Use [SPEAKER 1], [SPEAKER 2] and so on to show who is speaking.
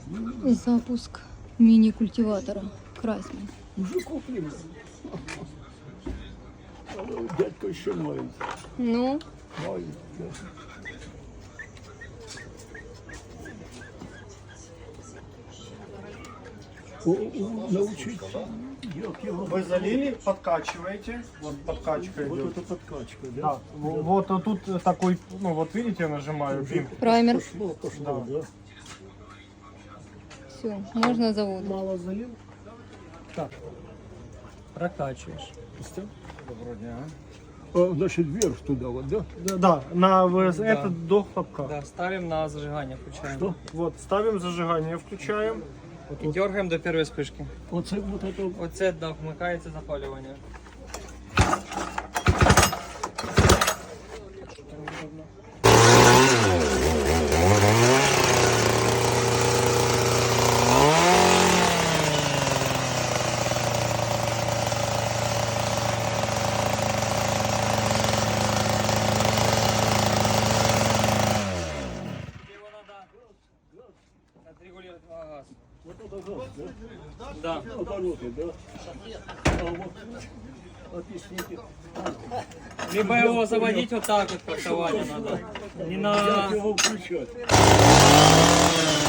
[SPEAKER 1] Запуск мини-культиватора Крайсман.
[SPEAKER 2] Уже куплено. Дядька еще маленький.
[SPEAKER 1] Ну,
[SPEAKER 2] Маленький, да. Научить.
[SPEAKER 3] Вы залили, подкачиваете. Вот подкачка
[SPEAKER 2] Вот
[SPEAKER 3] идет.
[SPEAKER 2] это подкачка, да?
[SPEAKER 3] Да, вот тут такой, ну вот видите, я нажимаю пин.
[SPEAKER 1] праймер.
[SPEAKER 2] Пошло, да.
[SPEAKER 1] Все, можно завод.
[SPEAKER 2] Мало залил?
[SPEAKER 3] Так, прокачиваешь.
[SPEAKER 2] Доброго дня. А, значит, вверх туда вот, да?
[SPEAKER 3] Да, на это до хлопка.
[SPEAKER 4] Да, ставим на зажигание, включаем.
[SPEAKER 2] Что?
[SPEAKER 3] Вот, ставим зажигание, включаем.
[SPEAKER 4] І дергаємо до першої спишки.
[SPEAKER 2] Вот это.
[SPEAKER 4] Оце, да, вмикається запалювання. Отрегулировать газ.
[SPEAKER 2] Вот это газ, да?
[SPEAKER 4] Да.
[SPEAKER 2] Обороты, да? А вот, объясните.
[SPEAKER 4] Либо его заводить вот так вот, фактование надо. Не
[SPEAKER 2] Как
[SPEAKER 4] на...
[SPEAKER 2] его включать?